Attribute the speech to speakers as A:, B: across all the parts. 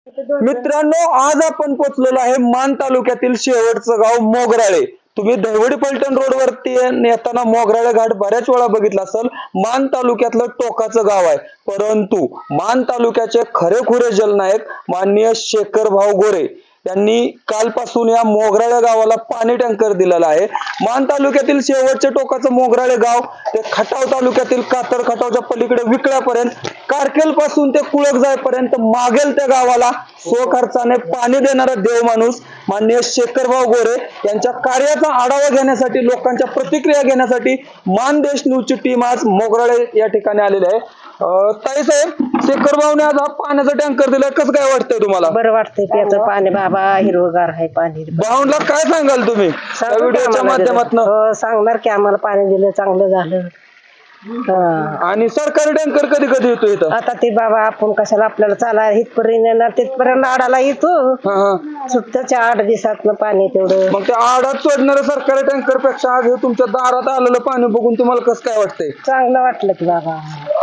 A: मित्रांनो, आज आपण पोहोचलेलो आहे मान तालुक्यातील शेवटचं गाव मोगराळे। तुम्ही दहिवडी पलटण रोड वरती येताना मोगराळे घाट बऱ्याच वेळा बघितला असेल। मान तालुक्यातलं टोकाचं गाव आहे, परंतु मान तालुक्याचे खरेखुरे जलनायक माननीय शेखर भाऊ गोरे यांनी कालपासून या मोगराळे गावाला पाणी टँकर दिलेला आहे। मान तालुक्यातील शेवटचे टोकाचं मोगराळे गाव ते खटाव तालुक्यातील कातर खटावच्या पलीकडे विकळ्यापर्यंत, कारकेल पासून ते कुळक जायपर्यंत मागेल त्या गावाला स्वखर्चाने पाणी देणारा देव माणूस माननीय शेखर भाऊ गोरे यांच्या कार्याचा आढावा घेण्यासाठी, लोकांच्या प्रतिक्रिया घेण्यासाठी मानदेश न्यूजची टीम आज मोगराळे या ठिकाणी आलेली आहे। ताई साहेब, शेखर भाऊने आज हा पाण्याचा टँकर दिलाय, कसं काय वाटतंय तुम्हाला?
B: बरं वाटतंय प्याचं पाणी बाबा, हिरवगार आहे पाणी।
A: भाऊला काय सांगाल तुम्ही व्हिडिओच्या माध्यमातून?
B: सांगणार की आम्हाला पाणी दिलं चांगलं झालं।
A: आणि सरकारी टँकर कधी कधी येतो इथं?
B: आता ते बाबा आपण कशाला आपल्याला चाला इथपर्यंत येणार, तिथपर्यंत आडाला येतो सुट्ट्याच्या 8 दिवसात पाणी तेवढं।
A: मग ते आडात सोडणाऱ्या सरकारी टँकर पेक्षा आज हे तुमच्या दारात आलेलं पाणी बघून तुम्हाला कसं काय वाटतंय?
B: चांगलं वाटलं की बाबा।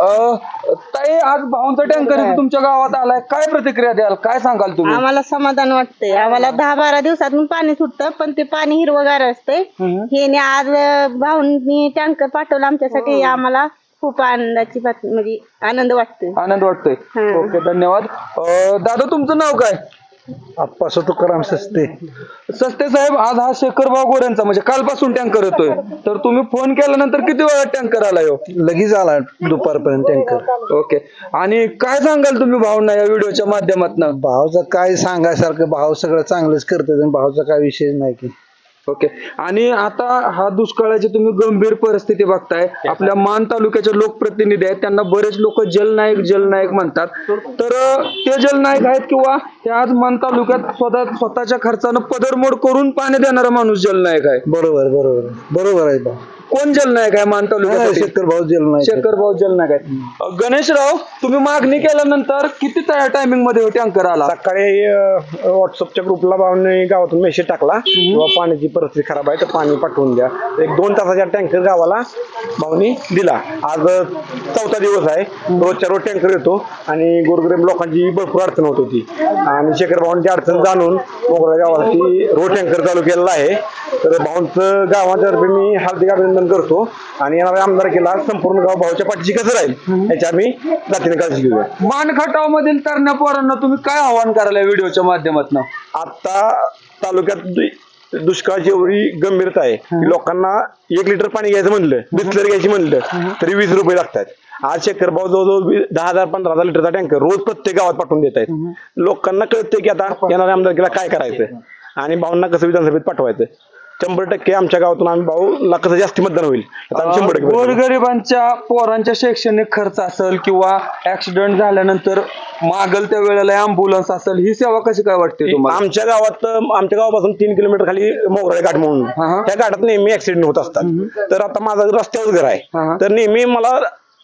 A: ताई, आज भाऊंचा टँकर इथे तुमच्या गावात आलाय, काय प्रतिक्रिया द्याल, काय सांगाल तुम्ही?
C: आम्हाला समाधान वाटतंय। आम्हाला 10-12 दिवसातून पाणी सुटतं, पण ते पाणी हिरवगार असते। हे आज भाऊंनी टँकर पाठवला आमच्यासाठी, आम्हाला खूप आनंदाची म्हणजे आनंद वाटतोय।
A: आनंद वाटतोय। ओके, धन्यवाद। दादा, तुमचं नाव काय?
D: आप्पा तुकाराम सस्ते।
A: सस्ते साहेब, आज हा शेखर भाऊ गोरेंचा म्हणजे कालपासून टँकर येतोय, तर तुम्ही फोन केल्यानंतर किती वेळा टँकर आलाय?
D: लगेच आला दुपारपर्यंत टँकर।
A: ओके, आणि काय सांगाल तुम्ही भाऊंना या व्हिडिओच्या माध्यमातून?
D: भाऊचं काय सांगायसारखं, भाऊ सगळं चांगलंच करतात, भाऊचा काय विषय नाही की।
A: ओके, आणि आता हा दुष्काळाची तुम्ही गंभीर परिस्थिती बघताय, आपल्या मान तालुक्याचे लोकप्रतिनिधी आहेत, त्यांना बरेच लोक जलनायक जलनायक म्हणतात, तर ते जलनायक आहेत किंवा ते आज मान तालुक्यात स्वतःच्या खर्चानं पदरमोड करून पाणी देणारा माणूस जलनायक आहे?
D: बरोबर बरोबर बरोबर आहे भाऊ।
A: कोण जलनायक आहे मान तालुक्यात?
D: शेखर भाऊ जलनायक।
A: शेखर भाऊ जलनायक आहेत। गणेशराव, तुम्ही मागणी केल्यानंतर किती टायमिंग मध्ये टँकर आला?
D: सकाळी व्हॉट्सअपच्या ग्रुपला भाऊने गावातून मेसेज टाकला किंवा पाण्याची परिस्थिती खराब आहे तर पाणी पाठवून द्या। 1-2 तासाच्या टँकर गावाला भाऊनी दिला। आज 4था दिवस आहे, रोजच्या रोज टँकर येतो आणि गोरगरीब लोकांची भरपूर अडचण होत होती आणि शेखर भाऊंची अडचण जाणून मोगरा गावासाठी रोज टँकर चालू केलेला आहे। तर भाऊंचं गावातर्फे मी हार्दिक अभिनंदन करतो आणि येणाऱ्या आमदारकीला संपूर्ण गाव भाऊच्या पाठीशी कसं राहील याची आम्ही जातीने काळजी घेऊया।
A: मान खटाव मधील तरण्या पोरांना तुम्ही काय आव्हान करायला व्हिडिओच्या माध्यमातून?
D: आता तालुक्यात दुष्काळाची एवढी गंभीरता आहे की लोकांना 1 लिटर पाणी घ्यायचं म्हणलं, बिस्लरी घ्यायची म्हणलं तरी 20 रुपये लागतात। आज शेखर भाऊ जवळजवळ 10,000-15,000 लिटरचा टँकर रोज प्रत्येक गावात पाठवून देत आहेत। लोकांना कळतंय की आता येणाऱ्या आमदारकीला काय करायचं आणि भाऊंना कसं विधानसभेत पाठवायचं। 100% आमच्या गावातून आम्ही भाऊला कसं जास्त मतदान होईल 100%।
A: गोरगरिबांच्या पोरांच्या शैक्षणिक खर्च असेल किंवा ऍक्सिडेंट झाल्यानंतर मागल त्या वेळेला अँब्युलन्स असेल, ही सेवा कशी काय वाटते तुम्हाला?
D: आमच्या गावापासून 3 किलोमीटर खाली मोगराळे घाट म्हणून, त्या घाटात नेहमी ऍक्सिडेंट होत असतात। तर आता माझं रस्त्यावर घर आहे, तर नेहमी मला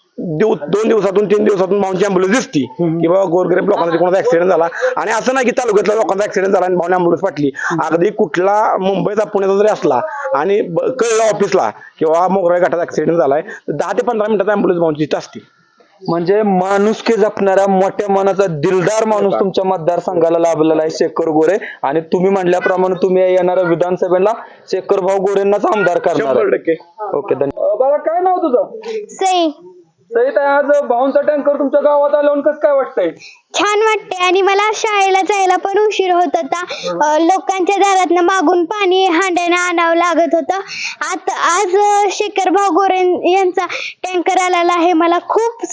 D: 2 दिवसातून 3 दिवसातून भाऊंची अँब्युलन्स दिसती की बाबा गोरगरीब लोकांचा कोणाचा ऍक्सिडेंट झाला। आणि असं नाही की तालुक्यातल्या लोकांचा ऍक्सिडेंट झाला आणि भाऊने अँब्युलन्स पाठली। अगदी कुठला मुंबईचा पुण्याचा जरी असला आणि कळलं ऑफिसला किंवा मोगराळे घाटात ऍक्सिडेंट झालाय, 10 ते 15 मिनिटात अँब्युलन्स भाऊंची असते।
A: म्हणजे माणुसकी जपणारा, मोठ्या मनाचा दिलदार माणूस तुमच्या मतदारसंघाला लाभलेला आहे शेखर गोरे, आणि तुम्ही म्हटल्याप्रमाणे तुम्ही येणाऱ्या विधानसभेला शेखर भाऊ गोरेंनाच आमदार करणार।
D: 100%।
A: ओके, धन्यवाद। बाळा, काय नाव तुझं?
E: सई।
A: सई, आज भाऊंचा टँकर तुमच्या गावात आल्यावर कसं काय वाटतंय?
E: छान वाटते, आणि मला शाळेला जायला पण उशीर होत होता, लोकांच्या दारातनं मागून पाणी हांड्याने आणावं लागत होतं। आता आज शेखर भाऊ गोरे यांचा टँकर आलेला आहे, मला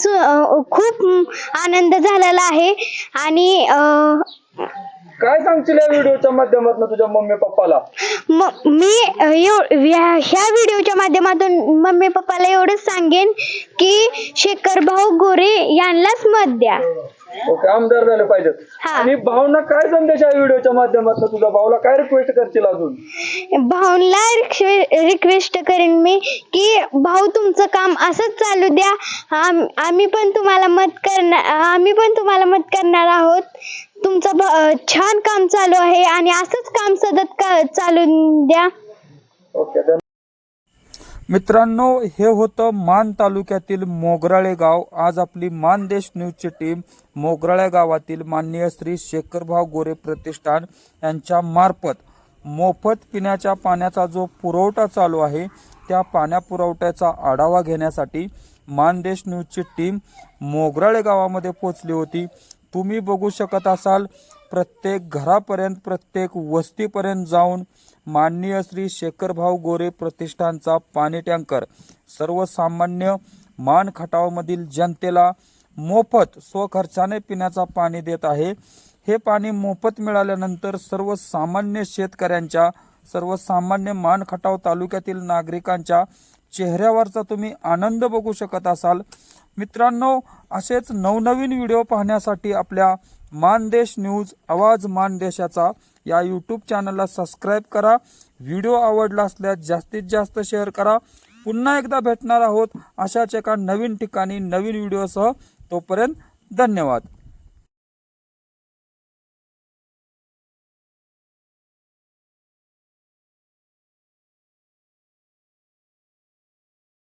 E: खूप आनंद झालेला आहे। आणि
A: काय सांगशील या व्हिडिओच्या माध्यमातून तुझ्या मम्मी पप्पाला?
E: मी ह्या व्हिडिओच्या माध्यमातून मम्मी पप्पाला एवढंच सांगेन की शेखर भाऊ गोरे यांनाच मत द्या।
A: ओके, आमदार झाले पाहिजेत। आणि भाऊंना काय संदेश आहे व्हिडिओच्या माध्यमातून तुझा? भाऊला काय रिक्वेस्ट करशील अजून?
E: भाऊला रिक्वेस्ट करेन मी की भाऊ, तुमचं काम असंच चालू द्या, आम्ही पण तुम्हाला मत करणार आहोत। तुमचं छान काम चालू आहे आणि असंच काम सतत चालू द्या।
A: ओके, मित्रांनो, हे होतं मान तालुक्यातील मोगराळे गाव. आज आपली मानदेश न्यूजची टीम मोगराळे गावातील माननीय श्री शेखरभाऊ गोरे प्रतिष्ठान यांच्या मार्फत मोफत पिण्याच्या पाण्याचा जो पुरवठा चालू आहे त्या पाण्या पुरवठ्याचा आढावा घेण्यासाठी मानदेश न्यूजची टीम मोगराळे गावामध्ये पोहोचली होती. तुम्ही बघू शकत असाल, प्रत्येक घरापर्यंत प्रत्येक वस्तीपर्यंत जाऊन माननीय श्री शेखरभाऊ गोरे प्रतिष्ठानचा पाणी टँकर सर्वसामान्य मान खटावमधील जनतेला मोफत स्वखर्चाने पिण्याचा पाणी देत आहे. हे पाणी मोफत मिळाल्यानंतर सर्वसामान्य शेतकऱ्यांच्या, सर्वसामान्य मान खटाव तालुक्यातील नागरिकांच्या चेहऱ्यावरचा तुम्ही आनंद बघू शकत असाल. मित्रांनो, असेच नवनवीन व्हिडिओ पाहण्यासाठी आपल्या मानदेश न्यूज आवाज मानदेशाचा या यूट्यूब चॅनलला सबस्क्राईब करा. व्हिडिओ आवडला असल्यास जास्तीत जास्त शेअर करा. पुन्हा एकदा भेटणार आहोत अशाच एका नवीन ठिकाणी नवीन व्हिडिओसह. तोपर्यंत धन्यवाद.